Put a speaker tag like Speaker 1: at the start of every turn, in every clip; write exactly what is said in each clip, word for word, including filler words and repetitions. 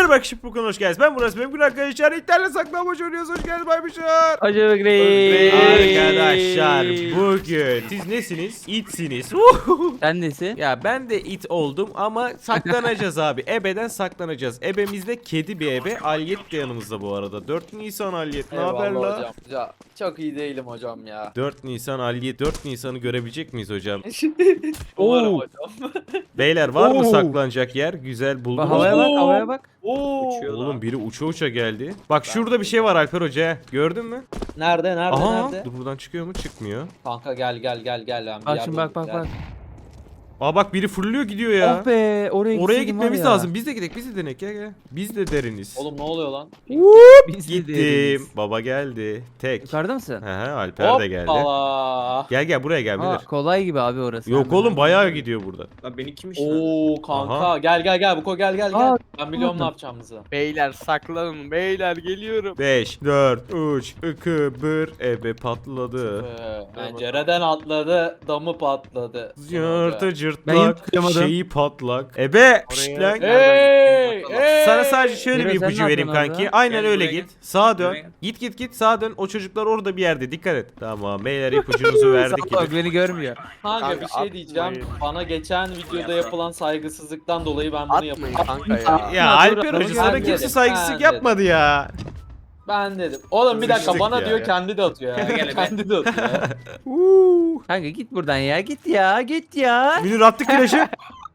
Speaker 1: Merhaba arkadaşlar, bu kanala hoş geldiniz. Ben Murat, benim arkadaşlar internet saklambaç oynuyoruz. Hoş geldiniz Baybuşlar.
Speaker 2: Acaba grey.
Speaker 1: Arkadaşlar bugün siz nesiniz? İtsiniz.
Speaker 2: Sen nesin?
Speaker 1: Ya ben de it oldum ama saklanacağız abi. Ebeden saklanacağız. Ebemizde kedi bir ebe. Alyet de yanımızda bu arada. dört Nisan Alyet, ne haber
Speaker 3: Eyvallah
Speaker 1: la?
Speaker 3: hocam. Ya, çok iyi değilim hocam ya.
Speaker 1: dört Nisan Alyet, dört Nisan'ı görebilecek miyiz hocam?
Speaker 3: Umarım
Speaker 2: Oo.
Speaker 3: hocam.
Speaker 1: Beyler var mı
Speaker 2: Oo.
Speaker 1: saklanacak yer? Güzel
Speaker 2: Bak,
Speaker 1: buldunuz
Speaker 2: havaya
Speaker 1: mu?
Speaker 2: bak, havaya bak.
Speaker 3: Oo.
Speaker 1: Oğlum biri uça uça geldi. Bak şurada bir şey var Alper Hoca. Gördün mü?
Speaker 3: Nerede nerede
Speaker 1: Aha.
Speaker 3: nerede?
Speaker 1: Dur, buradan çıkıyor mu? Çıkmıyor.
Speaker 3: Kanka gel gel gel gel lan. bir
Speaker 2: Bak
Speaker 3: yer
Speaker 2: şimdi bak
Speaker 3: bulduk
Speaker 2: bak
Speaker 3: ya.
Speaker 2: bak.
Speaker 1: Aa bak biri fırlıyor gidiyor ya.
Speaker 2: Oh be, oraya,
Speaker 1: Oraya
Speaker 2: gitseydim
Speaker 1: gitmemiz
Speaker 2: var ya.
Speaker 1: lazım. Biz de gidelim. Biz de denek. Gel gel. Biz de deriniz.
Speaker 3: Oğlum ne oluyor lan?
Speaker 2: Biz de
Speaker 1: Gittim.
Speaker 2: değiliz.
Speaker 1: Baba geldi. Tek.
Speaker 2: Yukarıda mısın?
Speaker 1: He he Alper de geldi.
Speaker 3: Hoppala.
Speaker 1: Gel gel buraya gel
Speaker 2: Aa,
Speaker 1: Münir.
Speaker 2: kolay gibi abi orası.
Speaker 1: Yok
Speaker 2: Hemen.
Speaker 1: oğlum bayağı gidiyor burada.
Speaker 4: Lan beni kim işler?
Speaker 3: Oo kanka
Speaker 1: Aha.
Speaker 3: gel gel gel Buko gel gel gel.
Speaker 2: Aa,
Speaker 3: Ben biliyorum
Speaker 2: unuttum.
Speaker 3: ne yapacağımızı.
Speaker 4: Beyler saklanın beyler geliyorum.
Speaker 1: beş, dört, üç, iki, bir. Ebe patladı.
Speaker 3: Ee, pencereden atladı, damı patladı.
Speaker 1: Yırtı
Speaker 2: Ben
Speaker 1: cırtlak,
Speaker 2: yutturamadım.
Speaker 1: şeyi patlak. Ebe! şşt
Speaker 4: Oraya-
Speaker 1: lan.
Speaker 3: Hey, hey.
Speaker 1: Sana sadece şöyle
Speaker 2: Miro,
Speaker 1: bir
Speaker 2: sen
Speaker 1: ipucu
Speaker 2: ne
Speaker 1: vereyim
Speaker 2: yapıyorsun
Speaker 1: kanki.
Speaker 2: orada?
Speaker 1: Aynen
Speaker 4: Gel
Speaker 1: öyle
Speaker 4: buraya
Speaker 1: git. Sağa dön.
Speaker 4: Buraya gel.
Speaker 1: Git git git sağa dön. O çocuklar orada bir yerde. Dikkat et. Tamam beyler ipucunuzu verdik
Speaker 2: Bak
Speaker 1: gibi.
Speaker 2: beni görmüyor.
Speaker 3: Kanka bir
Speaker 4: Kanka,
Speaker 3: şey diyeceğim.
Speaker 4: atmayın.
Speaker 3: Bana geçen videoda yapılan saygısızlıktan dolayı ben bunu
Speaker 4: Atmayın
Speaker 3: yapıyorum.
Speaker 4: kanka ya.
Speaker 1: Ya
Speaker 2: Atma, dur,
Speaker 1: Alper
Speaker 2: adamı
Speaker 1: Hoca sana
Speaker 3: görmedim.
Speaker 1: kimse
Speaker 3: Ben
Speaker 1: saygısızlık
Speaker 3: dedim.
Speaker 1: yapmadı ya.
Speaker 3: Ben dedim. Oğlum bir dakika
Speaker 1: Sıçtık
Speaker 3: bana
Speaker 1: ya.
Speaker 3: diyor kendi de atıyor ya.
Speaker 4: Gel, gel,
Speaker 3: kendi de atıyor ya.
Speaker 1: Uuu.
Speaker 2: Kanka git buradan ya, git ya, git ya.
Speaker 1: Münir attık flaşı.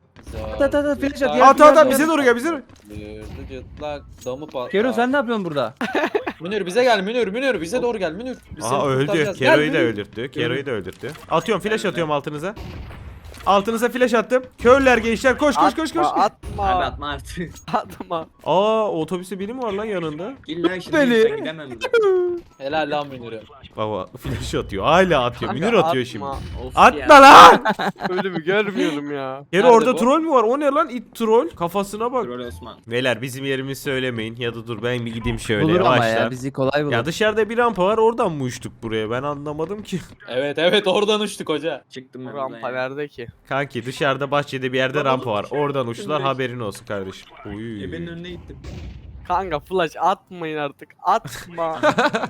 Speaker 2: At, at, at, flash at,
Speaker 1: At
Speaker 2: gel,
Speaker 1: at
Speaker 2: gel,
Speaker 1: at
Speaker 2: gel.
Speaker 1: bize doğru gel bize doğru.
Speaker 3: Yırdı cırtlak damı patlar.
Speaker 2: Kero sen ne yapıyorsun burada?
Speaker 3: Münir bize gel Münir Münir bize doğru gel Münir. Biz seni
Speaker 1: Aha öldü.
Speaker 3: kurtaracağız. Gel
Speaker 1: Kero'yu da
Speaker 3: Münir.
Speaker 1: öldürttü. Kero'yu da öldürttü. Atıyorum flash atıyorum altınıza. Altınıza flash attım. Körler gençler koş koş koş koş.
Speaker 4: Atma atma.
Speaker 5: Abi atma artık.
Speaker 4: Atma.
Speaker 1: Aa otobüste biri mi var lan yanında?
Speaker 5: İlla şimdi
Speaker 2: Beni.
Speaker 5: ben gidemem buradan.
Speaker 3: Helal lan Münir'e.
Speaker 1: Baba flash atıyor. Hala atıyor.
Speaker 4: Kanka,
Speaker 1: Münir atıyor
Speaker 4: atma.
Speaker 1: şimdi.
Speaker 5: Of
Speaker 1: Atma
Speaker 5: ya.
Speaker 1: lan!
Speaker 4: Ölümü görmüyorum ya.
Speaker 1: Kero
Speaker 3: Nerede
Speaker 1: orada
Speaker 3: bu?
Speaker 1: troll mü var? O ne lan? It troll. Kafasına bak.
Speaker 5: Troll Osman.
Speaker 1: Beyler bizim yerimizi söylemeyin. Ya da dur ben bir gideyim şöyle
Speaker 2: Bulur ama
Speaker 1: yavaştan.
Speaker 2: ya, bizi kolay bulur.
Speaker 1: Ya dışarıda bir rampa var oradan mı uçtuk buraya ben anlamadım ki.
Speaker 3: Evet evet oradan uçtuk hoca.
Speaker 5: Çıktım ben
Speaker 4: Bu rampa
Speaker 5: buradan ya.
Speaker 4: nerede ki?
Speaker 1: Kanki dışarıda bahçede bir yerde
Speaker 5: Baba,
Speaker 1: rampa var. Oradan uçtular
Speaker 5: Şimdi-
Speaker 1: haberin olsun kardeşim. Uy.
Speaker 5: Ebenin önüne gittim.
Speaker 4: Kanka flash atmayın artık. Atma.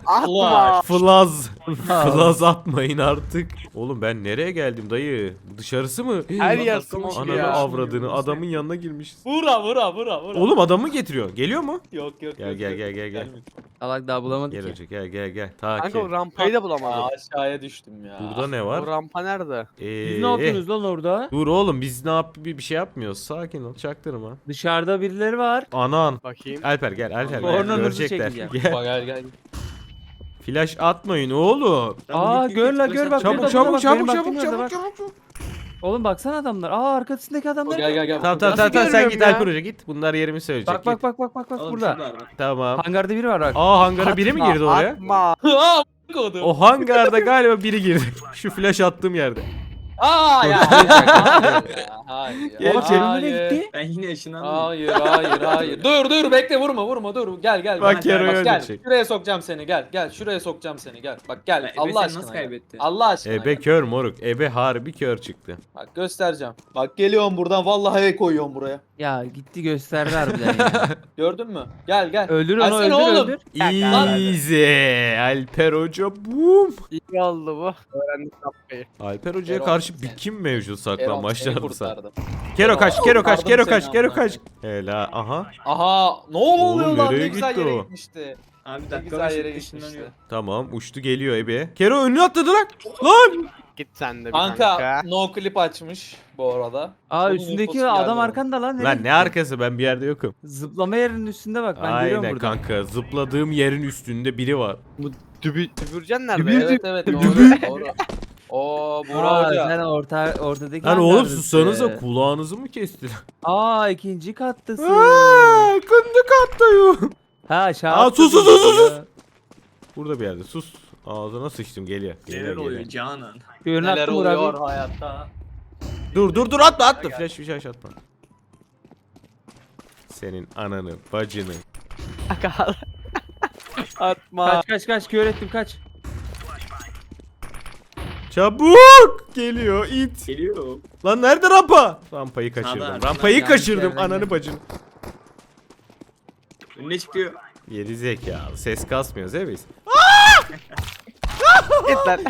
Speaker 4: Atma.
Speaker 1: Flaz. Flaz atmayın artık. Oğlum ben nereye geldim dayı? Dışarısı mı?
Speaker 4: Her
Speaker 5: Ulan
Speaker 4: yer
Speaker 5: dakika
Speaker 4: smoke
Speaker 5: başı
Speaker 1: Ananı
Speaker 4: ya.
Speaker 1: avradını adamın yanına girmişiz.
Speaker 3: Vura vura vura vura.
Speaker 1: Oğlum adamı mı getiriyor? Geliyor mu?
Speaker 3: Yok yok
Speaker 1: Gel
Speaker 3: yok,
Speaker 1: gel
Speaker 3: yok.
Speaker 1: gel gel gel.
Speaker 3: Gelmedi.
Speaker 2: Salak daha bulamadık
Speaker 1: Gel
Speaker 2: ki.
Speaker 1: hoca gel gel gel.
Speaker 4: Kanka o
Speaker 1: Takip.
Speaker 4: rampayı da
Speaker 3: Aa,
Speaker 4: bulamadım.
Speaker 3: aşağıya düştüm ya.
Speaker 1: Burada ne
Speaker 4: O
Speaker 1: var?
Speaker 4: rampa nerede?
Speaker 1: Ee,
Speaker 2: Siz ne yapıyorsunuz lan orada?
Speaker 1: Dur oğlum biz ne yap bir bir şey yapmıyoruz. Sakin ol çaktırma.
Speaker 2: Dışarıda birileri var.
Speaker 1: Anan.
Speaker 4: Bakayım.
Speaker 1: Alper gel Alper gel.
Speaker 2: Kornanızı
Speaker 1: Görecekler.
Speaker 2: çekeceğim.
Speaker 1: Gel.
Speaker 3: Bak gel gel.
Speaker 1: Flash atmayın oğlum.
Speaker 2: Aa,
Speaker 5: git, git,
Speaker 2: gör
Speaker 5: git,
Speaker 2: la,
Speaker 5: flash
Speaker 2: gör
Speaker 5: at.
Speaker 2: bak,
Speaker 1: Çabuk
Speaker 2: Burada,
Speaker 1: çabuk
Speaker 2: burada,
Speaker 1: çabuk
Speaker 2: bak,
Speaker 1: çabuk
Speaker 2: benim
Speaker 1: çabuk
Speaker 2: baktığım
Speaker 1: çabuk
Speaker 2: yerde
Speaker 1: çabuk.
Speaker 2: Oğlum baksana adamlar. Aa, arkasındaki adamlar.
Speaker 3: Gel gel gel.
Speaker 1: Tamam tamam
Speaker 2: Nasıl
Speaker 1: tamam tamam sen
Speaker 2: görüyorum
Speaker 1: git
Speaker 2: ya?
Speaker 1: Alper Hoca git. Bunlar yerimi söyleyecek.
Speaker 2: Bak bak
Speaker 1: git.
Speaker 2: bak bak bak bak
Speaker 5: Oğlum
Speaker 2: burada.
Speaker 5: şurada var bak.
Speaker 1: Tamam.
Speaker 2: Hangarda biri var bak.
Speaker 1: Aa hangara biri mi girdi oraya?
Speaker 4: Atma.
Speaker 3: Aa kodum.
Speaker 1: O hangarda galiba biri girdi. Şu flash attığım yerde.
Speaker 3: Aa ya.
Speaker 2: Dur,
Speaker 3: Hayır ya. Hayır.
Speaker 1: Gel,
Speaker 2: Baba Kerim
Speaker 3: Hayır.
Speaker 2: nereye gitti?
Speaker 5: Ben yine ışınlandım.
Speaker 3: Hayır hayır hayır. Dur dur bekle vurma vurma dur. Gel gel.
Speaker 1: Bak
Speaker 3: Bak,
Speaker 1: Kero'yu
Speaker 3: bak, gel.
Speaker 1: öldürecek.
Speaker 3: Şuraya sokacağım seni gel. Gel şuraya sokacağım seni gel. Bak gel
Speaker 5: Ya, Ebe
Speaker 3: Allah
Speaker 5: sen
Speaker 3: aşkına.
Speaker 5: nasıl
Speaker 3: gel.
Speaker 5: kaybetti?
Speaker 3: Allah aşkına.
Speaker 1: Ebe
Speaker 3: gel.
Speaker 1: kör moruk. Ebe harbi kör çıktı.
Speaker 3: Bak göstereceğim. Bak geliyorum buradan vallahi el koyuyorum buraya.
Speaker 2: Ya gitti gösterdi harbiden ya.
Speaker 3: Gördün mü? Gel gel.
Speaker 2: Öldür onu,
Speaker 3: Gelsene
Speaker 2: öldür
Speaker 3: oğlum.
Speaker 2: öldür.
Speaker 1: Easy. Alper Hoca boom.
Speaker 4: İyi oldu bu. Öğrendik rampayı.
Speaker 1: Alper Hoca'ya
Speaker 3: Kero,
Speaker 1: karşı bir
Speaker 3: sen-
Speaker 1: kim mevcut
Speaker 3: Erol, seni
Speaker 1: saklanmaçlarımsa.
Speaker 3: kurtardım.
Speaker 1: Kero kaç, Kero kaç,
Speaker 3: Kurtardım
Speaker 1: Kero
Speaker 3: seni
Speaker 1: kaç, Kero
Speaker 3: amına
Speaker 1: kaç. Hela aha.
Speaker 3: Aha ne oluyor
Speaker 1: Oğlum,
Speaker 3: lan
Speaker 1: nereye
Speaker 3: ne güzel
Speaker 1: gitti
Speaker 3: yere
Speaker 1: o?
Speaker 3: gitmişti.
Speaker 5: Abi
Speaker 3: Ne
Speaker 5: dakika
Speaker 3: güzel
Speaker 5: başı
Speaker 3: yere
Speaker 5: ışınlanıyor.
Speaker 3: gitmişti.
Speaker 1: Tamam uçtu geliyor Ebe. Kero önüne atladı lan. Lan.
Speaker 4: Git sen de bir
Speaker 3: Kanka,
Speaker 4: kanka.
Speaker 3: no clip açmış bu arada.
Speaker 2: Aa,
Speaker 3: Onun
Speaker 2: üstündeki
Speaker 3: infosu geldi
Speaker 2: adam
Speaker 3: bana.
Speaker 2: arkanda lan. nereye
Speaker 1: Lan ne
Speaker 2: gitti?
Speaker 1: arkası ben bir yerde yokum.
Speaker 2: Zıplama yerinin üstünde bak, ben görüyorum
Speaker 1: Aynen
Speaker 2: buradan.
Speaker 1: kanka zıpladığım yerin üstünde biri var.
Speaker 4: Dübü, dübürcen nerede?
Speaker 2: Dübür-
Speaker 3: Evet evet doğru.
Speaker 1: Dübü.
Speaker 3: doğru. Oo Burak
Speaker 2: Aa,
Speaker 3: Hoca.
Speaker 2: sen orta, ortadaki
Speaker 1: Lan oğlum
Speaker 2: hangardasın.
Speaker 1: sussanıza kulağınızı mı kestiler?
Speaker 2: Aa, ikinci kattasın.
Speaker 1: Aaa kındık attayım.
Speaker 2: Ha aşağı
Speaker 1: Aa, sus,
Speaker 2: atladın
Speaker 1: sus, sus, sus.
Speaker 2: ya.
Speaker 1: Burada bir yerde sus. Ağzına sıçtım geliyor.
Speaker 5: Neler
Speaker 1: Geliyor,
Speaker 5: oluyor
Speaker 1: geliyor.
Speaker 5: Canan?
Speaker 2: Ürün
Speaker 3: Neler
Speaker 2: attım Burak
Speaker 3: oluyor
Speaker 2: abi.
Speaker 3: hayatta?
Speaker 1: Dur dur dur atma atma flash bir şey atma. Senin ananı bacını.
Speaker 4: Kanka. Atma.
Speaker 2: Kaç kaç kaç, kör ettim, kaç.
Speaker 1: Çabuk geliyor it.
Speaker 5: Geliyor.
Speaker 1: Lan nerede rampa? Rampayı kaçırdım.
Speaker 5: Sağda,
Speaker 1: Rampayı
Speaker 5: yanlış
Speaker 1: kaçırdım
Speaker 5: yerden
Speaker 1: ananı
Speaker 5: geldi.
Speaker 1: bacını.
Speaker 5: Önüne çıkıyor.
Speaker 1: Geri zekalı. Ses kasmıyoruz değil mi biz?
Speaker 4: Git lan.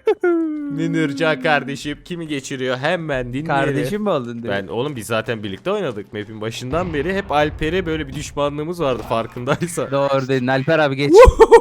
Speaker 1: Münircan kardeşim kimi geçiriyor? Hemen dinleyelim.
Speaker 2: Kardeşim mi oldun diyor.
Speaker 1: Ben oğlum biz zaten birlikte oynadık map'in başından beri. Hep Alper'e böyle bir düşmanlığımız vardı farkındaysan.
Speaker 2: Doğru dedin Alper abi geç.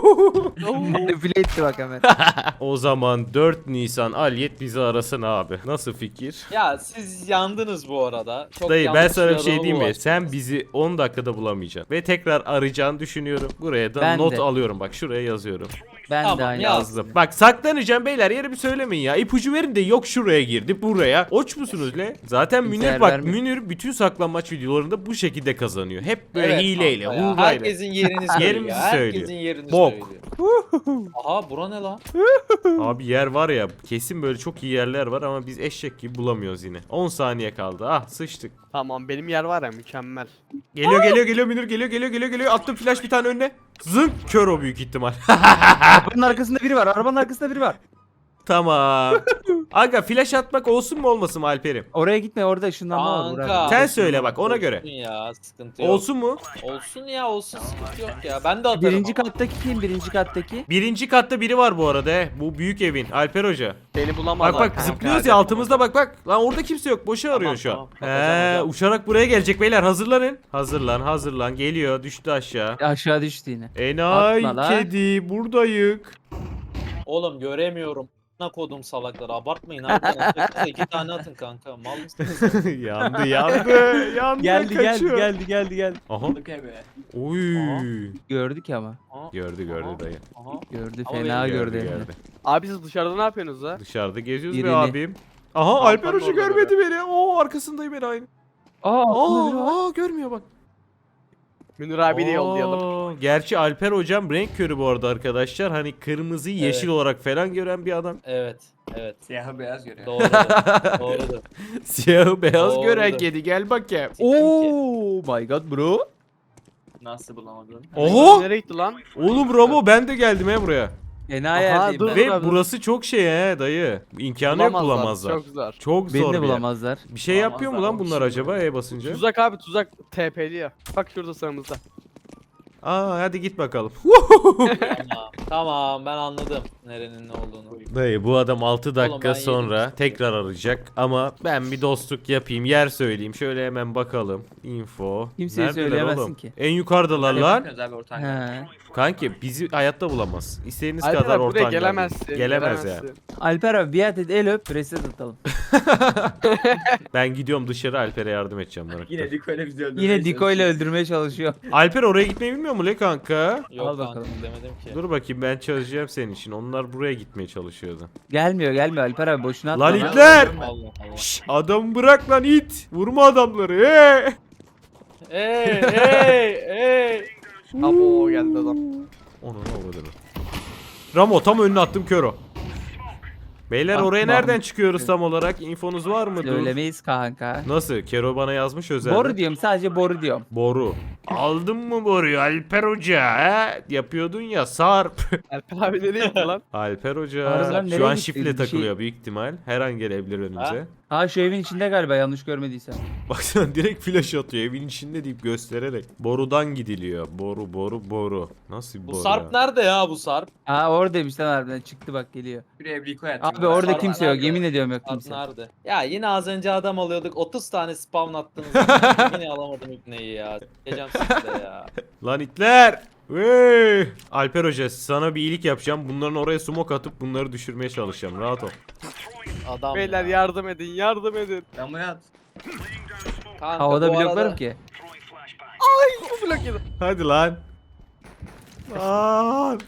Speaker 2: Manipüle etti bak hemen.
Speaker 1: O zaman dört Nisan Alyet bizi arasın abi. Nasıl fikir?
Speaker 3: Ya siz yandınız bu arada. Çok
Speaker 1: Dayı ben
Speaker 3: yanlış
Speaker 1: sana bir
Speaker 3: bir
Speaker 1: şey
Speaker 3: adama
Speaker 1: diyeyim mi?
Speaker 3: bulaştınız.
Speaker 1: Sen bizi on dakikada bulamayacaksın. Ve tekrar arayacağını düşünüyorum. Buraya da
Speaker 2: Ben
Speaker 1: not
Speaker 2: de.
Speaker 1: alıyorum bak şuraya yazıyorum.
Speaker 2: Ben
Speaker 3: Tamam,
Speaker 2: de aynı
Speaker 3: yaz.
Speaker 1: Yazdım. Bak saklanacağım beyler yeri bir söylemeyin ya. İpucu verin de yok şuraya girdi buraya. Oç musunuz le? Zaten
Speaker 2: Kimse
Speaker 1: Münir
Speaker 2: yer
Speaker 1: bak
Speaker 2: vermiyor.
Speaker 1: Münir bütün saklanmaç videolarında bu şekilde kazanıyor. Hep böyle
Speaker 3: Evet
Speaker 1: hileyle,
Speaker 3: kanka ya,
Speaker 1: hurrayla.
Speaker 3: herkesin yerini söylüyor.
Speaker 1: Yerimizi
Speaker 3: Herkesin
Speaker 1: söylüyor.
Speaker 3: yerini
Speaker 1: Bok.
Speaker 3: söylüyor. Aha bura ne lan?
Speaker 1: Abi yer var ya kesin böyle çok iyi yerler var ama biz eşek gibi bulamıyoruz yine. on saniye kaldı. Ah sıçtık.
Speaker 4: Tamam benim yer var ya mükemmel.
Speaker 1: Geliyor geliyor geliyor Münir geliyor geliyor geliyor geliyor. Attım flash bir tane önüne. Zınk kör o büyük ihtimal.
Speaker 2: Arabanın arkasında biri var. Arabanın arkasında biri var.
Speaker 1: Tamam. Aga flash atmak olsun mu olmasın mı Alper'im?
Speaker 2: Oraya gitme orada ışınlanma var.
Speaker 3: Kanka.
Speaker 2: Burak.
Speaker 1: Sen söyle bak ona
Speaker 3: Olsun
Speaker 1: göre.
Speaker 3: ya sıkıntı yok.
Speaker 1: Olsun mu?
Speaker 3: Olsun ya olsun sıkıntı yok ya. Ben de atarım.
Speaker 2: Birinci
Speaker 3: ama.
Speaker 2: kattaki kim? Birinci kattaki.
Speaker 1: Birinci katta biri var bu arada he. Bu büyük evin. Alper Hoca.
Speaker 4: Beni bulamazlar.
Speaker 1: Bak bak
Speaker 4: kanka.
Speaker 1: zıplıyoruz ya altımızda bak bak. Lan orada kimse yok. Boşa
Speaker 3: Tamam,
Speaker 1: arıyor şu an.
Speaker 3: tamam. Bakacağım,
Speaker 1: He
Speaker 3: bakacağım.
Speaker 1: uçarak buraya gelecek beyler hazırlanın. Hazırlan hazırlan. Geliyor düştü aşağı.
Speaker 2: Aşağı düştü yine.
Speaker 1: Enay
Speaker 2: Atma lan.
Speaker 1: kedi buradayık.
Speaker 3: Oğlum göremiyorum. Ne kodum salakları abartmayın abi. Atacaksanız iki tane atın kanka. Mal mısınız?
Speaker 1: yandı yandı. Yandı
Speaker 2: Geldi geldi
Speaker 1: kaçıyor.
Speaker 2: geldi geldi geldi.
Speaker 1: Aha.
Speaker 5: Okey be.
Speaker 1: Oy.
Speaker 3: Aha.
Speaker 2: Gördük ama.
Speaker 3: Aha,
Speaker 1: Gördü gördü
Speaker 3: aha,
Speaker 1: dayı.
Speaker 3: aha.
Speaker 2: Gördü
Speaker 3: Ama
Speaker 2: fena
Speaker 3: beni
Speaker 2: gördü.
Speaker 1: Gördü
Speaker 2: hem de.
Speaker 1: gördü.
Speaker 4: Abi siz dışarıda ne yapıyorsunuz ha?
Speaker 1: Dışarıda geziyoruz be
Speaker 2: Birini.
Speaker 1: abim. Aha Alper
Speaker 3: Alper
Speaker 1: Hoca
Speaker 3: orada
Speaker 1: görmedi beni. Oo arkasındayım ben aynı.
Speaker 2: Aa, aklında biri var.
Speaker 1: Aa, aa görmüyor bak.
Speaker 4: Münir abi de yollayalım.
Speaker 1: Aa, gerçi Alper hocam renk körü bu arada arkadaşlar. Hani kırmızıyı yeşil
Speaker 3: Evet.
Speaker 1: olarak falan gören bir adam.
Speaker 3: Evet. Evet.
Speaker 5: Siyahı beyaz görüyor.
Speaker 3: Doğrudur. Doğrudur.
Speaker 1: Siyahı beyaz
Speaker 3: Doğru.
Speaker 1: gören kedi gel bakayım.
Speaker 2: Oh my god bro.
Speaker 5: Nasıl bulamadın?
Speaker 1: Oho!
Speaker 4: Nereye gitti lan?
Speaker 1: Oğlum Ramo ben de geldim he buraya.
Speaker 2: Enayi
Speaker 4: Aha,
Speaker 2: yerdeyim
Speaker 4: dur.
Speaker 2: ben.
Speaker 1: Ve
Speaker 4: abi.
Speaker 1: burası çok şey he dayı. İmkanı yok bulamazlar.
Speaker 4: Çok zor.
Speaker 1: Çok
Speaker 2: Beni
Speaker 1: zor
Speaker 2: de
Speaker 1: bir yer.
Speaker 2: bulamazlar.
Speaker 1: Bir şey yapıyor mu lan
Speaker 5: Bulamazlar,
Speaker 1: bunlar
Speaker 5: o
Speaker 1: acaba
Speaker 5: şey
Speaker 1: E basınca?
Speaker 4: Tuzak abi tuzak T P'li ya. Bak şurada sağımızda.
Speaker 1: Aa hadi git bakalım.
Speaker 3: Tamam. Tamam ben anladım nerenin ne olduğunu.
Speaker 1: Dayı bu adam altı dakika
Speaker 3: ben yedim
Speaker 1: sonra
Speaker 3: işte.
Speaker 1: tekrar arayacak ama ben bir dostluk yapayım yer söyleyeyim şöyle hemen bakalım info.
Speaker 2: Kimseye
Speaker 1: Neredeler
Speaker 2: söyleyemezsin
Speaker 1: oğlum?
Speaker 2: ki.
Speaker 1: En yukarıdalar lan.
Speaker 5: Bakıyoruz abi ortaya.
Speaker 2: He.
Speaker 1: Kanki bizi hayatta bulamaz. İstediğiniz
Speaker 4: Alper
Speaker 1: kadar
Speaker 4: abi buraya
Speaker 1: ortadan
Speaker 4: gelemezsin.
Speaker 1: gelin. Gelemez ya.
Speaker 4: gelemezsin.
Speaker 2: Alper abi biat et el öp reset atalım.
Speaker 1: Ben gidiyorum dışarı Alper'e yardım edeceğim. merak
Speaker 5: Yine
Speaker 1: etme.
Speaker 5: Diko ile bizi öldürmeye
Speaker 2: Yine Diko ile öldürmeye çalışıyor.
Speaker 1: Alper oraya gitmeyi bilmiyor mu le kanka?
Speaker 3: Yok
Speaker 2: Al
Speaker 3: kanka
Speaker 2: bakalım.
Speaker 3: demedim ki.
Speaker 1: Dur bakayım ben çözeceğim senin için. Onlar buraya gitmeye çalışıyordu.
Speaker 2: Gelmiyor gelmiyor Alper abi boşuna atma.
Speaker 1: Lan
Speaker 2: lan.
Speaker 1: itler!
Speaker 3: Allah Allah.
Speaker 1: Şşş adam bırak lan it! Vurma adamları he!
Speaker 3: Ey ey ey.
Speaker 4: Abo geldi adam.
Speaker 1: Onu ne oldu? Ramo tam önüne attım kör o. Beyler
Speaker 2: Atma.
Speaker 1: oraya nereden çıkıyoruz tam olarak? İnfonuz var mı? Dur.
Speaker 2: Söylemeyiz kanka.
Speaker 1: Nasıl? Kero bana yazmış özelden.
Speaker 2: Boru diyorum sadece boru diyorum.
Speaker 1: Boru. Aldın mı boruyu Alper Hoca he? Yapıyordun ya sarp.
Speaker 4: Alper abi nereye gitti lan?
Speaker 1: Alper Hoca
Speaker 2: Harbiden
Speaker 1: şu
Speaker 2: nereye
Speaker 1: an
Speaker 2: gitti?
Speaker 1: şifle
Speaker 2: Bir şey-
Speaker 1: takılıyor büyük ihtimal. Her an gelebilir önümüze.
Speaker 2: Ha şu evin içinde galiba yanlış görmediysem.
Speaker 1: Baksana direkt flash atıyor evin içinde deyip göstererek. Borudan gidiliyor. Boru boru boru. Nasıl bir
Speaker 3: Bu
Speaker 1: boru
Speaker 3: Sarp
Speaker 1: ya?
Speaker 3: nerede ya bu Sarp?
Speaker 2: Ha oradaymış lan harbiden çıktı bak geliyor.
Speaker 5: Buraya Diko yatıyor.
Speaker 2: Abi orada
Speaker 3: Sarp
Speaker 2: kimse yok
Speaker 3: nerede?
Speaker 2: yemin ediyorum yok
Speaker 3: Sarp
Speaker 2: kimse.
Speaker 3: nerede? Ya yine az önce adam alıyorduk otuz tane spawn attınız. Yine alamadım ibneyi ya. Geleceğim size ya.
Speaker 1: Lan itler! Wey! Alper Hoca sana bir iyilik yapacağım. Bunların oraya smoke atıp bunları düşürmeye çalışacağım. Rahat ol.
Speaker 3: Adam
Speaker 4: Beyler
Speaker 3: ya.
Speaker 4: yardım edin yardım edin.
Speaker 5: Ben buraya at.
Speaker 3: Kanka,
Speaker 2: Havada
Speaker 3: bu
Speaker 2: bloklarım
Speaker 3: arada-
Speaker 2: ki.
Speaker 4: Bu blok yedi.
Speaker 1: Hadi lan. Lan.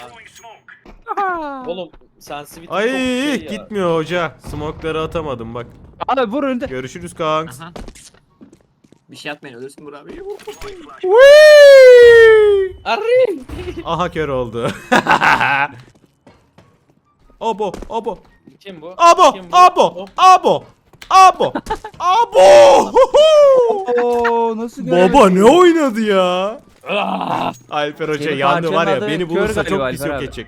Speaker 3: Oğlum sensitivity
Speaker 1: Ay
Speaker 3: çok şey ya.
Speaker 1: gitmiyor hoca. Smoke'ları atamadım bak.
Speaker 2: Abi vur önünde.
Speaker 1: Görüşürüz kanks.
Speaker 5: Aha. Bir şey atmayın ölürsün Burak abi.
Speaker 1: Whee!
Speaker 3: Arri!
Speaker 1: Aha kör oldu. Abo, abo,
Speaker 3: Kim bu?
Speaker 1: abo,
Speaker 3: Kim bu?
Speaker 1: abo, abo, abo, abo.
Speaker 2: Oo nasıl
Speaker 1: Baba ne oynadı ya?
Speaker 3: Ah!
Speaker 1: Alper Hoca
Speaker 2: Senin
Speaker 1: yandı var ya
Speaker 2: parçanın adı
Speaker 1: beni
Speaker 2: kör
Speaker 1: bulursa
Speaker 2: galiba
Speaker 1: çok pis
Speaker 2: Alper
Speaker 1: yok
Speaker 2: abi.
Speaker 1: edecek.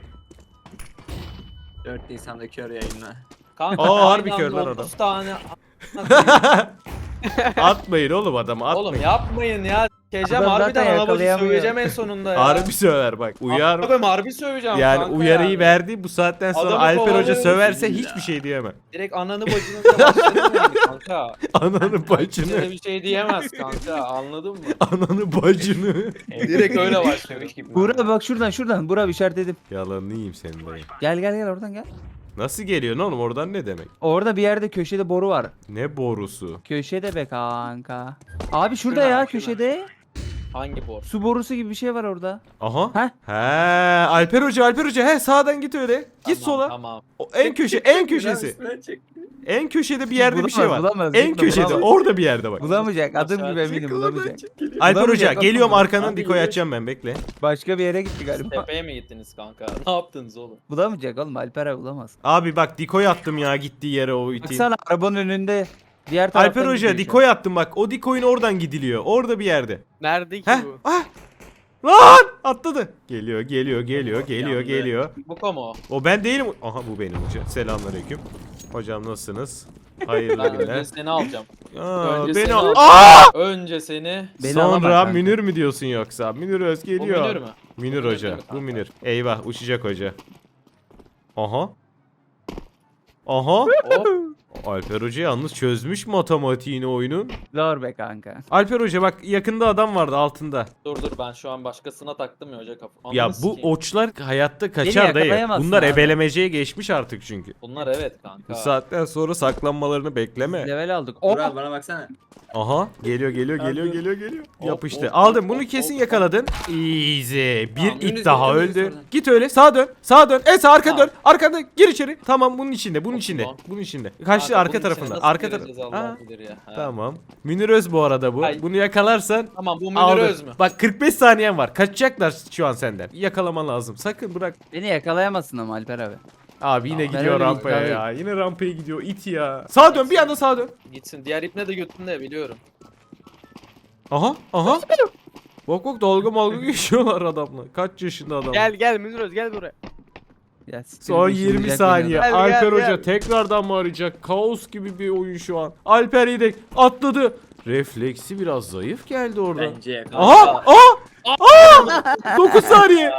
Speaker 5: dört Nisan'da kör yayınla.
Speaker 3: Kanka,
Speaker 1: Aa, harbi
Speaker 3: aynı
Speaker 1: kör
Speaker 3: anda
Speaker 1: lan adam.
Speaker 3: otuz tane.
Speaker 1: Atmayın oğlum adamı atmayın.
Speaker 3: Oğlum yapmayın ya. Sikeceğim
Speaker 2: Adam
Speaker 3: harbiden
Speaker 2: zaten
Speaker 3: ana bacı
Speaker 2: yakalayamıyor.
Speaker 3: söveceğim en sonunda ya.
Speaker 1: Harbi söver bak. Uyar.
Speaker 3: Abi harbi söveceğim
Speaker 1: Yani
Speaker 3: kanka
Speaker 1: uyarıyı
Speaker 3: yani.
Speaker 1: verdi. Bu saatten sonra
Speaker 3: Adamı
Speaker 1: Alper Hoca
Speaker 3: kovalıyoruz
Speaker 1: söverse
Speaker 5: ya.
Speaker 1: hiçbir şey diyemem.
Speaker 3: Direkt ananı bacını da başlayalım yani kanka.
Speaker 1: Ananı
Speaker 3: Kimse
Speaker 1: bacını.
Speaker 3: de bir şey diyemez kanka anladın mı?
Speaker 1: Ananı bacını.
Speaker 3: Direkt öyle başlıyor.
Speaker 2: Burak bak şuradan şuradan. Burak işaretledim.
Speaker 1: Yalanını yiyeyim senin dayı.
Speaker 2: Gel gel gel oradan gel.
Speaker 1: Nasıl geliyorsun oğlum oradan ne demek?
Speaker 2: Orada bir yerde köşede boru var.
Speaker 1: Ne borusu?
Speaker 2: Köşede be kanka. Abi şurada
Speaker 3: Şuna,
Speaker 2: ya
Speaker 3: şuna.
Speaker 2: köşede.
Speaker 3: Hangi bor?
Speaker 2: Su borusu gibi bir şey var orada.
Speaker 1: Aha.
Speaker 2: Heh.
Speaker 1: He, Alper Hoca, Alper Hoca. He, sağdan git öyle. Git
Speaker 3: Tamam,
Speaker 1: sola.
Speaker 3: Tamam.
Speaker 1: O en köşe, en köşesi.
Speaker 5: Üstüne çek.
Speaker 1: En köşede bir yerde bir
Speaker 2: Bulamaz,
Speaker 1: şey var.
Speaker 2: bulamaz,
Speaker 1: En
Speaker 2: gitme,
Speaker 1: köşede,
Speaker 2: bulamaz.
Speaker 1: orada bir yerde bak.
Speaker 2: Bulamayacak. Adım
Speaker 3: Aşağı
Speaker 2: gibi eminim
Speaker 5: Çek oradan,
Speaker 2: bulamayacak.
Speaker 5: çek, geliyor.
Speaker 1: Alper Hoca,
Speaker 2: Bulamayacak,
Speaker 1: geliyorum
Speaker 2: bulamayacak.
Speaker 1: arkandan
Speaker 5: Abi,
Speaker 1: dikoy
Speaker 5: yürü.
Speaker 1: atacağım ben bekle.
Speaker 2: Başka bir yere gitti galiba.
Speaker 3: Tepeye mi gittiniz kanka? Ne yaptınız oğlum?
Speaker 2: Bulamayacak oğlum Alper abi bulamaz.
Speaker 1: Abi bak dikoy attım ya gittiği yere o itin.
Speaker 2: Baksana arabanın önünde. Diğer taraftan
Speaker 1: Alper Hoca
Speaker 2: gidiyor şu
Speaker 1: dikoy attım bak. O dikoyun oradan gidiliyor. Orada bir yerde.
Speaker 4: Nerede ki
Speaker 1: Heh.
Speaker 4: bu?
Speaker 1: Ah! Lan! Atladı. Geliyor, geliyor, geliyor, geliyor,
Speaker 5: Yandı.
Speaker 1: geliyor.
Speaker 3: Bu mu?
Speaker 1: O ben değilim. Aha bu benim hoca. Selamünaleyküm. Hocam nasılsınız? Hayırlı
Speaker 3: Ben
Speaker 1: günler.
Speaker 3: önce seni alacağım.
Speaker 1: Aa,
Speaker 3: önce
Speaker 1: beni
Speaker 3: seni
Speaker 1: al.
Speaker 3: alacağım.
Speaker 1: Aa!
Speaker 3: Önce seni.
Speaker 2: Beni
Speaker 1: Sonra
Speaker 2: alamaz kanka.
Speaker 1: Münir mi diyorsun yoksa? Münir Öz
Speaker 3: Bu
Speaker 1: geliyor.
Speaker 3: Münir mü?
Speaker 1: Münir
Speaker 3: Münir
Speaker 1: hoca.
Speaker 3: değil mi
Speaker 1: Bu
Speaker 3: kanka?
Speaker 1: Münir. Eyvah uçacak hoca. Aha. Aha.
Speaker 3: Hop.
Speaker 1: Alper Hoca yalnız çözmüş matematiğini oyunun.
Speaker 2: Zor be kanka.
Speaker 1: Alper Hoca bak yakında adam vardı altında.
Speaker 3: Dur dur ben şu an başkasına taktım ya hoca kapı. Ananı
Speaker 1: Ya bu
Speaker 3: sikeyim.
Speaker 1: oçlar hayatta kaçar dayı.
Speaker 2: yakalayamazsın
Speaker 1: Bunlar
Speaker 2: abi.
Speaker 1: ebelemeceye geçmiş artık çünkü.
Speaker 3: Bunlar evet
Speaker 1: Bu
Speaker 3: kanka.
Speaker 1: saatten sonra saklanmalarını bekleme.
Speaker 2: Level aldık. Oh!
Speaker 5: Burak bana baksana.
Speaker 1: Aha geliyor geliyor geliyor
Speaker 5: Hadi.
Speaker 1: geliyor geliyor.
Speaker 3: Hop,
Speaker 1: Yapıştı.
Speaker 3: hop,
Speaker 1: Aldım
Speaker 3: hop,
Speaker 1: bunu
Speaker 3: hop,
Speaker 1: kesin
Speaker 3: hop.
Speaker 1: yakaladın. Easy. Bir
Speaker 5: Tamam,
Speaker 1: it
Speaker 5: Yunus
Speaker 1: daha
Speaker 5: yakaladı
Speaker 1: öldü.
Speaker 5: sonra.
Speaker 1: Git öyle sağa dön. Sağa dön. En sağ arka
Speaker 3: Tamam.
Speaker 1: dön. Arkada gir içeri. Tamam bunun içinde. Bunun
Speaker 3: Hop,
Speaker 1: içinde.
Speaker 3: tamam.
Speaker 1: Bunun içinde. Kaçtı
Speaker 3: Kanka,
Speaker 1: arka
Speaker 3: bunun içine
Speaker 1: tarafında.
Speaker 3: nasıl
Speaker 1: Arka
Speaker 3: gireceğiz
Speaker 1: tarafında.
Speaker 3: Allah
Speaker 1: Ha,
Speaker 3: bilir ya. Ha.
Speaker 1: tamam. Münir Öz bu arada bu.
Speaker 3: Ay.
Speaker 1: Bunu yakalarsan
Speaker 3: Tamam bu Münir
Speaker 1: aldın.
Speaker 3: Öz mü?
Speaker 1: Bak kırk beş saniyen var. Kaçacaklar şu an senden. Yakalaman lazım. Sakın bırak.
Speaker 2: Beni yakalayamazsın ama Alper abi.
Speaker 1: Abi yine
Speaker 2: Tamam, ben
Speaker 1: gidiyor
Speaker 2: öyle
Speaker 1: rampaya
Speaker 2: bir-
Speaker 1: ya. Yine rampaya gidiyor. İt ya. Sağa dön. Bir anda sağa dön.
Speaker 3: Gitsin. Diğer ipne de götünde biliyorum.
Speaker 1: Aha. Aha. Bak bak dalga malga geçiyorlar adamla. Kaç yaşında adam?
Speaker 4: Gel gel Münir Öz gel buraya.
Speaker 2: Ya, siktir
Speaker 1: Son
Speaker 2: git,
Speaker 1: yirmi
Speaker 2: işinecek
Speaker 1: saniye.
Speaker 2: beni adam.
Speaker 4: Gel,
Speaker 1: Alper
Speaker 4: gel,
Speaker 1: Hoca
Speaker 4: gel.
Speaker 1: tekrardan mı arayacak? Kaos gibi bir oyun şu an. Alper Yedek atladı. Refleksi biraz zayıf geldi orada.
Speaker 5: Bence yakaladı.
Speaker 1: Aha! Aha! Aha! dokuz saniye.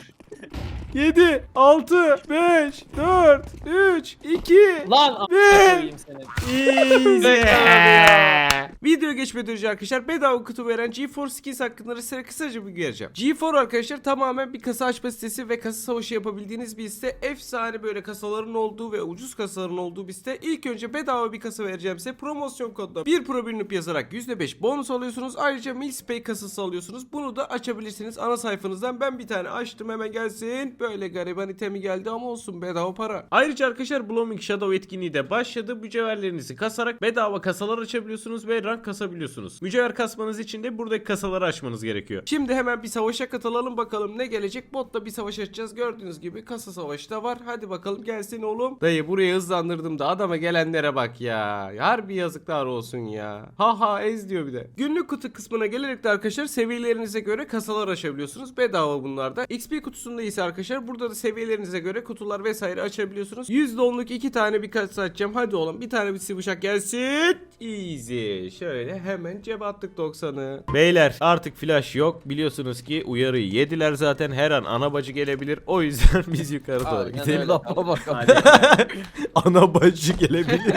Speaker 1: yedi, altı, beş, dört, üç, iki,
Speaker 3: Lan a**ına
Speaker 1: Bir.
Speaker 3: koyayım seni.
Speaker 1: Easy. Video geçmeden önce arkadaşlar bedava kutu veren GeForce Skins hakkında size kısaca bir vereceğim. GeForce arkadaşlar tamamen bir kasa açma sitesi ve kasa savaşı yapabildiğiniz bir site. Efsane böyle kasaların olduğu ve ucuz kasaların olduğu bir site. İlk önce bedava bir kasa vereceğim size. Promosyon kodla bir pro birinip yazarak yüzde beş bonus alıyorsunuz. Ayrıca Milspay kasası alıyorsunuz. Bunu da açabilirsiniz ana sayfanızdan. Ben bir tane açtım hemen gelsin. Böyle gariban itemi geldi ama olsun bedava para. Ayrıca arkadaşlar Blooming Shadow etkinliği de başladı. Mücevherlerinizi kasarak bedava kasalar açabiliyorsunuz ve rank kasabiliyorsunuz. Mücevher kasmanız için de buradaki kasaları açmanız gerekiyor. Şimdi hemen bir savaşa katılalım bakalım ne gelecek. Botla bir savaş açacağız. Gördüğünüz gibi kasa savaşı da var. Hadi bakalım gelsin oğlum. Dayı buraya hızlandırdım da adama gelenlere bak ya. Harbi yazıklar olsun ya. Ha ha ez diyor bir de. Günlük kutu kısmına gelerek de arkadaşlar seviyelerinize göre kasalar açabiliyorsunuz. Bedava bunlarda. X P kutusunda ise arkadaşlar burada da seviyelerinize göre kutular vesaire açabiliyorsunuz. yüzde onluk iki tane bir kasa açacağım. Hadi oğlum bir tane bir sıvışak gelsin. Easy. Şöyle hemen cebe attık doksanı. Beyler artık flash yok. Biliyorsunuz ki uyarıyı yediler zaten. Her an ana bacı gelebilir. O yüzden biz yukarı doğru
Speaker 3: Aynen
Speaker 1: gidelim.
Speaker 3: öyle.
Speaker 2: Lafa bak.
Speaker 5: Hadi.
Speaker 1: Ana bacı gelebilir.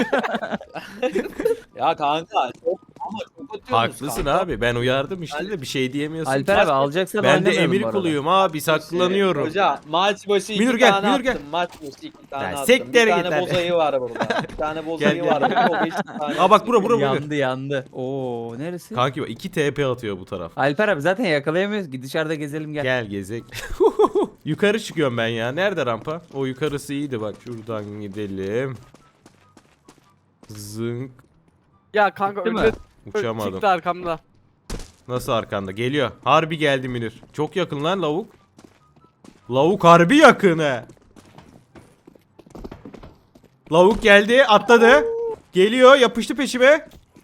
Speaker 3: Ya kanka çok ama çok atıyorsunuz
Speaker 1: Haklısın
Speaker 3: kanka.
Speaker 1: abi. Ben uyardım işte de bir şey diyemiyorsun.
Speaker 2: Alper abi alacaksan
Speaker 1: Ben de
Speaker 2: oynamayalım
Speaker 1: emir
Speaker 2: bu arada.
Speaker 1: kuluyum abi saklanıyorum.
Speaker 3: Hoca maç başı iki
Speaker 1: Münir gel,
Speaker 3: tane
Speaker 1: Münir gel.
Speaker 3: attım. Maç başı iki tane
Speaker 1: Ya
Speaker 3: attım.
Speaker 1: siktir
Speaker 3: Bir
Speaker 1: git
Speaker 3: tane
Speaker 1: hadi.
Speaker 3: bozayı var burada. Bir tane bozayı
Speaker 1: Gel,
Speaker 3: var.
Speaker 1: gel.
Speaker 3: Bu beş tane.
Speaker 1: Aa bak bura bura bura.
Speaker 2: Yandı yandı. Oo neresi?
Speaker 1: Kanki bak iki T P atıyor bu taraf.
Speaker 2: Alper abi zaten yakalayamıyoruz ki dışarıda gezelim gel.
Speaker 1: Gel gezek. Yukarı çıkıyorum ben ya. Nerede rampa? O yukarısı iyiydi bak. Şuradan gidelim. Zınk.
Speaker 4: Ya kanka
Speaker 2: Gitti mi?
Speaker 4: önde
Speaker 1: Uçamadım.
Speaker 4: çıktı arkamda.
Speaker 1: Nasıl arkanda? Geliyor. Harbi geldi Münir. Çok yakın lan lavuk. Lavuk harbi yakın he. Lavuk geldi. Atladı. Geliyor. Yapıştı peşime.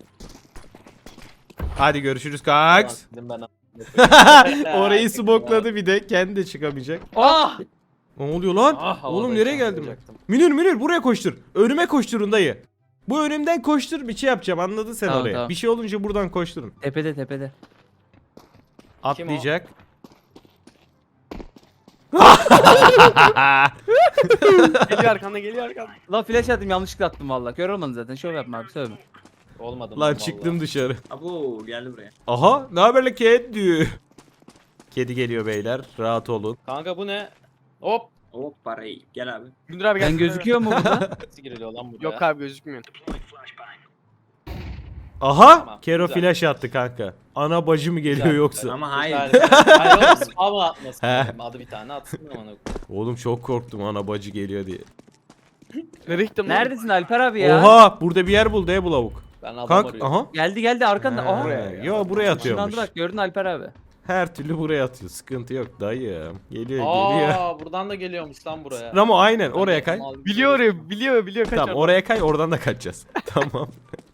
Speaker 1: Hadi görüşürüz kaks.
Speaker 3: Dedim ben.
Speaker 1: Orayı smokladı bir de. Kendi de çıkamayacak.
Speaker 3: Ah!
Speaker 1: Ne oluyor lan?
Speaker 3: Ah,
Speaker 1: Oğlum
Speaker 3: havadayken
Speaker 1: nereye geldim ben?
Speaker 3: vuracaktım.
Speaker 1: Münir Münir buraya koştur. Önüme koşturun dayı. Bu önümden koştur bir şey yapacağım anladın sen
Speaker 2: Tamam,
Speaker 1: oraya.
Speaker 2: tamam.
Speaker 1: Bir şey olunca buradan koşturun.
Speaker 2: Tepede tepede.
Speaker 1: Atlayacak.
Speaker 4: Geliyor arkanda geliyor arkanda.
Speaker 2: Lan flash attım yanlışlıkla attım valla. Kör olmadın zaten. Şov yapma abi söyleme.
Speaker 3: Olmadı.
Speaker 1: Lan çıktım dışarı.
Speaker 5: Abo geldi buraya.
Speaker 1: Aha, ne haber la kedi? Kedi geliyor beyler. Rahat olun.
Speaker 3: Kanka bu ne? Hop.
Speaker 5: Hop parayı. Gel abi.
Speaker 4: Gündür abi gel.
Speaker 2: Ben gözüküyor mu burada?
Speaker 3: Nasıl giriliyor lan buraya?
Speaker 4: Yok abi gözükmüyor.
Speaker 1: Aha,
Speaker 3: Tamam,
Speaker 1: Kero
Speaker 3: güzel.
Speaker 1: flash attı kanka. Ana bacı mı geliyor
Speaker 3: Güzel,
Speaker 1: yoksa?
Speaker 5: Ama hayır.
Speaker 3: Hayır. Hayır oğlum spam atmasın.
Speaker 1: He.
Speaker 3: dedim. Adı bir tane atsın ama.
Speaker 1: Oğlum çok korktum ana bacı geliyor diye.
Speaker 4: Nereye gittim lan?
Speaker 2: Neredesin Alper abi ya?
Speaker 1: Oha, burada bir yer buldu he bu lavuk.
Speaker 3: Ben adam
Speaker 1: Kanka,
Speaker 3: arıyorum.
Speaker 1: aha.
Speaker 2: Geldi geldi arkanda.
Speaker 1: Ha,
Speaker 2: Aha.
Speaker 1: yo buraya atıyormuş.
Speaker 2: Şundan bak gördün Alper abi.
Speaker 1: Her türlü buraya atıyor. Sıkıntı yok dayım. Geliyor geliyor.
Speaker 3: Aa buradan da geliyormuş lan buraya.
Speaker 1: Ramo aynen oraya kay.
Speaker 4: Biliyor ya biliyor biliyor kaç
Speaker 1: Tamam oraya kay oradan da kaçacağız. Tamam.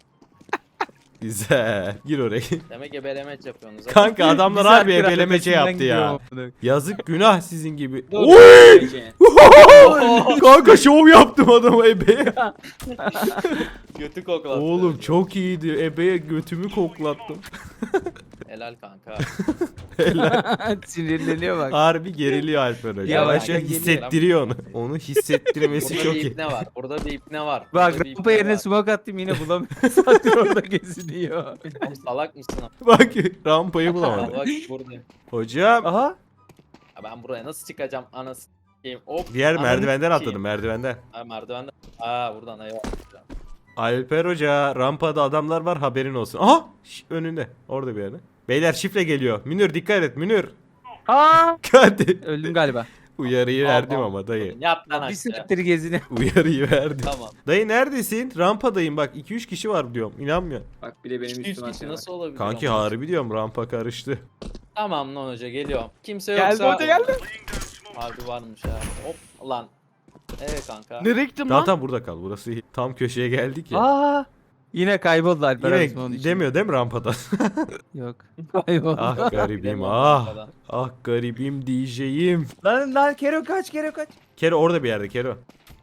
Speaker 1: Güzel. Gir oraya.
Speaker 3: Demek ebelemeç yapıyorsunuz. ha.
Speaker 1: Kanka adamlar
Speaker 2: Güzel
Speaker 1: harbi
Speaker 2: bir
Speaker 1: ebelemece
Speaker 2: arkadaşından
Speaker 1: yaptı ya.
Speaker 2: gidiyor.
Speaker 1: Yazık günah sizin gibi.
Speaker 3: Dur.
Speaker 1: Oy!
Speaker 5: Gece.
Speaker 1: Kanka şov yaptım adama ebeye.
Speaker 3: Götü koklattı.
Speaker 1: Oğlum çok iyiydi. Ebeye götümü koklattım.
Speaker 3: Helal kanka.
Speaker 2: Sinirleniyor bak.
Speaker 1: Harbi geriliyor Alper Hoca.
Speaker 2: Ya bak,
Speaker 1: Yavaş yavaş
Speaker 2: geliyor.
Speaker 1: hissettiriyor onu. Onu hissettirmesi
Speaker 3: Burada
Speaker 1: çok
Speaker 3: bir
Speaker 1: iyi.
Speaker 3: ipne var. Burada bir ipne var.
Speaker 2: Bak
Speaker 3: Burada bir
Speaker 2: rampa
Speaker 3: ipne
Speaker 2: yerine
Speaker 3: var.
Speaker 2: smoke attım yine bulamıyorum. Sadece orada geziniyor.
Speaker 3: Oğlum salak mısın?
Speaker 1: Bak rampayı bulamadım.
Speaker 3: Bak buradayım.
Speaker 1: Hocam.
Speaker 2: Aha.
Speaker 3: Ya ben buraya nasıl çıkacağım anasını s**eyim. Hop.
Speaker 1: Diğer
Speaker 3: ananı
Speaker 1: merdivenden
Speaker 3: s**eyim.
Speaker 1: atladım merdivenden.
Speaker 3: Ha merdivenden. Aa buradan eyvah.
Speaker 1: Alper Hoca rampada adamlar var haberin olsun. Aha şş, önünde orada bir yerde. Beyler şifre geliyor. Münir dikkat et Münir.
Speaker 2: Aa.
Speaker 1: Hadi.
Speaker 2: Öldüm galiba.
Speaker 1: Uyarıyı
Speaker 3: Tamam,
Speaker 1: verdim
Speaker 3: tamam.
Speaker 1: ama dayı.
Speaker 3: Yap lan
Speaker 2: Bir
Speaker 3: aşağı.
Speaker 2: saattir geziniyor.
Speaker 1: Uyarıyı verdim.
Speaker 3: Tamam.
Speaker 1: Dayı neredesin? Rampadayım bak iki üç kişi var diyorum. İnanmıyor.
Speaker 5: Bak bir de benim
Speaker 3: İki yüz
Speaker 5: üstüme
Speaker 3: kişi
Speaker 5: atıyor.
Speaker 3: nasıl olabilir?
Speaker 1: Kanki
Speaker 3: ama?
Speaker 1: harbi diyorum rampa karıştı.
Speaker 3: Tamam lan hoca geliyorum. Kimse
Speaker 4: Geldi
Speaker 3: yoksa.
Speaker 4: hoca, geldi.
Speaker 3: Harbi varmış ha. Hop lan. Evet kanka.
Speaker 4: Nereye gittim
Speaker 1: Tamam
Speaker 4: lan?
Speaker 1: tamam burada kal. Burası iyi. Tam köşeye geldik ya.
Speaker 2: Aa. Yine kayboldu Alper abi onun
Speaker 1: Yine
Speaker 2: için.
Speaker 1: demiyor değil mi rampadan?
Speaker 2: Yok. Kayboldu.
Speaker 1: ah garibim
Speaker 3: Bilemiyorum
Speaker 1: ah.
Speaker 3: rampadan.
Speaker 1: Ah garibim diyeceğim.
Speaker 2: Lan lan Kero kaç Kero kaç.
Speaker 1: Kero orada bir yerde Kero.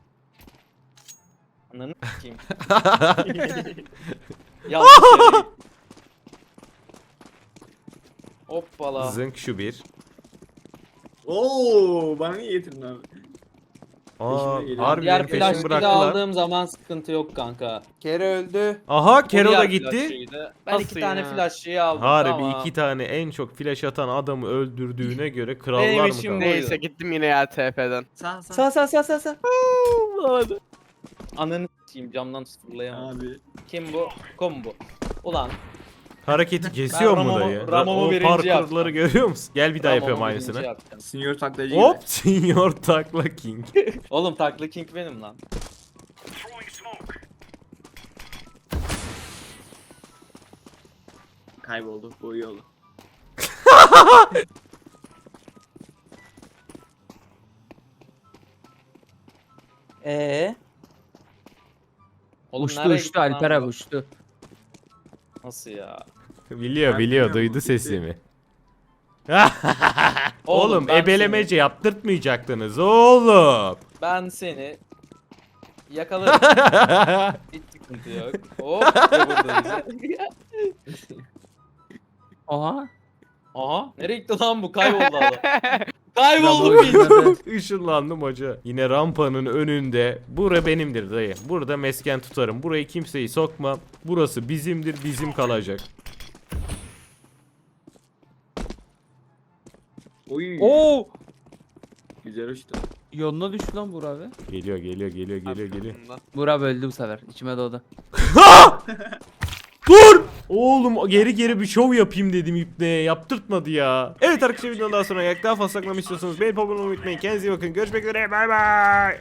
Speaker 3: Ananı s**eyim. Yanlış yere gittim. Hoppala.
Speaker 1: Zınk şu bir.
Speaker 5: Oo bana niye getirdin abi?
Speaker 1: Aa,
Speaker 5: Peşime geliyor.
Speaker 1: harbi
Speaker 3: Diğer
Speaker 1: benim peşimi
Speaker 3: flash'ı da
Speaker 1: bıraktılar.
Speaker 3: aldığım zaman sıkıntı yok kanka.
Speaker 2: Kero öldü.
Speaker 1: Aha
Speaker 3: O
Speaker 1: Kero da
Speaker 3: diğer
Speaker 1: gitti.
Speaker 3: flash'ıydı. Ben
Speaker 4: Nasıl
Speaker 3: iki tane
Speaker 4: ya?
Speaker 3: flash'ıyı aldım.
Speaker 1: Harbi
Speaker 3: tamam.
Speaker 1: iki tane en çok flash atan adamı öldürdüğüne göre krallar
Speaker 3: Benim
Speaker 1: mı
Speaker 3: işim
Speaker 1: kaldı?
Speaker 3: değil.
Speaker 4: Neyse gittim yine ya T P'den.
Speaker 5: Sağ sağ.
Speaker 2: Sağ sağ sağ sağ sağ.
Speaker 4: Bulamadım.
Speaker 3: Ananı s**eyim camdan fırlayamam.
Speaker 5: Abi.
Speaker 3: Kim bu? Kom bu. Ulan.
Speaker 1: Hareketi kesiyor
Speaker 3: Ben
Speaker 1: mu
Speaker 3: Ramo'mu-
Speaker 1: dayı?
Speaker 3: Ramo'mu
Speaker 1: o
Speaker 3: birinci
Speaker 1: parkurları
Speaker 3: yaptım.
Speaker 1: görüyor musun? Gel bir daha
Speaker 3: Tamam,
Speaker 1: yapıyorum
Speaker 3: onu
Speaker 1: aynısını.
Speaker 3: birinci yapacağım.
Speaker 5: Senior taklacı gibi.
Speaker 1: Hop Senior Takla King.
Speaker 3: Oğlum takla king benim lan.
Speaker 5: Kayboldu. Bu iyi oldu.
Speaker 2: Ee.
Speaker 3: Oğlum
Speaker 2: Uçtu
Speaker 3: nereye
Speaker 2: uçtu
Speaker 3: gitti lan
Speaker 2: Alper
Speaker 3: bu?
Speaker 2: abi uçtu.
Speaker 3: Nasıl ya?
Speaker 1: Biliyor
Speaker 5: Ben
Speaker 1: biliyor
Speaker 5: bilmiyorum,
Speaker 1: duydu
Speaker 5: bu
Speaker 1: sesimi.
Speaker 3: Oğlum,
Speaker 1: Oğlum
Speaker 3: ben
Speaker 1: ebelemece yaptırtmayacaktınız oğlum.
Speaker 3: Ben seni yakalarım. Hiç sıkıntı yok. Hop. ve buradayız.
Speaker 2: Aha.
Speaker 3: Aha. Nereye gitti lan bu? Kayboldu adam. Kayboldu bir.
Speaker 1: Işınlandım hoca. Yine rampanın önünde. Bura benimdir dayı. Burada mesken tutarım. Burayı kimseyi sokmam. Burası bizimdir, bizim kalacak.
Speaker 5: Oy.
Speaker 2: Oo.
Speaker 5: Güzel uçtu.
Speaker 2: Yoluna düştü lan Burak abi.
Speaker 1: Geliyor, geliyor, geliyor, geliyor, geliyor.
Speaker 2: Burak abi öldü bu sefer. İçime doğdu.
Speaker 1: Dur! Oğlum geri geri bir şov yapayım dedim ipneye. Yaptırtmadı ya. Evet arkadaşlar videodan daha sonra yak daha fazla saklamak istiyorsanız beğenip abone olmayı unutmayın. Kendinize iyi bakın. Görüşmek üzere. Bay bay.